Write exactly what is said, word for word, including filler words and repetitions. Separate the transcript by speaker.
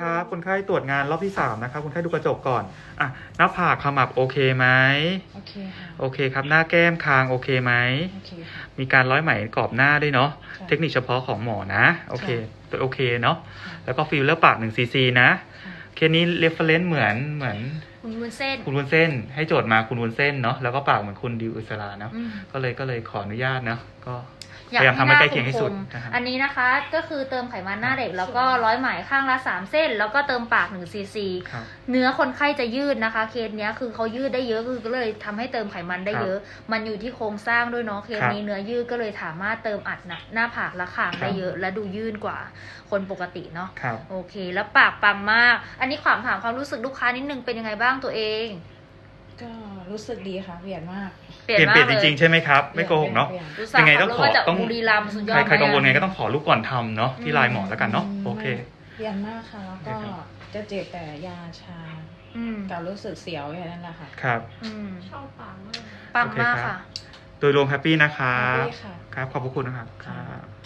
Speaker 1: ครับคนไข้ตรวจงานรอบที่สามนะครับคนไข้ดูกระจกก่อนอ่ะหน้าผากขมับโอเคไหม
Speaker 2: โอเคค่ะ
Speaker 1: โอเคครับหน้าแก้มคางโอเคไหม
Speaker 2: โอเคค่ะ
Speaker 1: มีการร้อยไหมกรอบหน้าด้วยเนาะ
Speaker 2: ค่ะ
Speaker 1: เทคนิคเฉพาะของหมอนะโอเค
Speaker 2: ค่ะ
Speaker 1: ตัวโอเคเนาะ
Speaker 2: ค่ะ
Speaker 1: แล้วก็ฟิลเลอร์ปากหนึ่งซีซีนะ
Speaker 2: ค่ะ
Speaker 1: เคสนี้เรฟเฟรนซ์เหมือนเหมือน
Speaker 3: คุณวุ้นเส้น
Speaker 1: คุณวุ้นเส้นให้โจทย์มาคุณวุ้นเส้นเนาะแล้วก็ปากเหมือนคุณดิวอิสราเนาะ
Speaker 3: อืม
Speaker 1: ก็เลยก็เลยขออนุญาตเนาะก็พ
Speaker 3: อยาก
Speaker 1: ยายามทำให้
Speaker 3: หน้
Speaker 1: ใกล้เคียงที่สุด
Speaker 3: คม
Speaker 1: นะครับ
Speaker 3: ๆอันนี้นะคะก็คือเติมไขมันหน้าเด็กแล้วก็ร้อยไหมข้างละสามเส้น แล้วก็เติมปากหนึ่งซีซี
Speaker 1: ครับ
Speaker 3: เนื้อคนไข้จะยืดนะคะ เคสเนี้ยคือเขายืดได้เยอะคือก็เลยทำให้เติมไขมันได้เยอะ มันอยู่ที่โครงสร้างด้วยเนาะเคสนี้เนื้อยืดก็เลยสามารถเติมอัดหนักหน้าผากและคางได้เยอะ และดูยืดกว่าคนปกติเนาะ
Speaker 1: ครับ
Speaker 3: โอเค แล้วปากปังมาก อันนี้ขวามถามความรู้สึกลูกค้านิดนึงเป็นยังไงบ้างตัวเอง
Speaker 2: ก็รู้สึกดีค่ะเปลี่ยนมาก
Speaker 1: เปลี่ยนเปลี่ยนจริงๆใช่ไหมครับไม่โกหกเนาะ
Speaker 2: ปลี่ย
Speaker 3: ดูสาว
Speaker 1: ยังไง
Speaker 3: ขั
Speaker 1: ต้
Speaker 3: บ
Speaker 1: อง
Speaker 3: รถ
Speaker 1: ขอ
Speaker 3: มาจาก
Speaker 1: ต้อง
Speaker 3: บุรีรัมย์สุดยอด
Speaker 1: ใครใครกังวล
Speaker 3: มาก
Speaker 1: ไงก็ต้องขอรูปก่อนทำเนาะที่ไลน์หมอแล้วกันเนาะโอเค
Speaker 2: เปลี่ยนมากค่ะ แล้วก็
Speaker 1: โอเคครับ
Speaker 2: จะเจ็บแต่ยาชา
Speaker 3: อืม
Speaker 2: กับรู้สึกเสียวแค่นั้นแหละค่ะ
Speaker 1: ครับ
Speaker 3: อืม
Speaker 4: ชอบปังมาก
Speaker 3: ปังมาก
Speaker 1: โอเคครับ
Speaker 3: ค่ะ
Speaker 1: โดยรวมแฮปปี้นะครับ
Speaker 2: แฮปปี้ค่ะ
Speaker 1: ครับขอบพระคุณนะครับครับ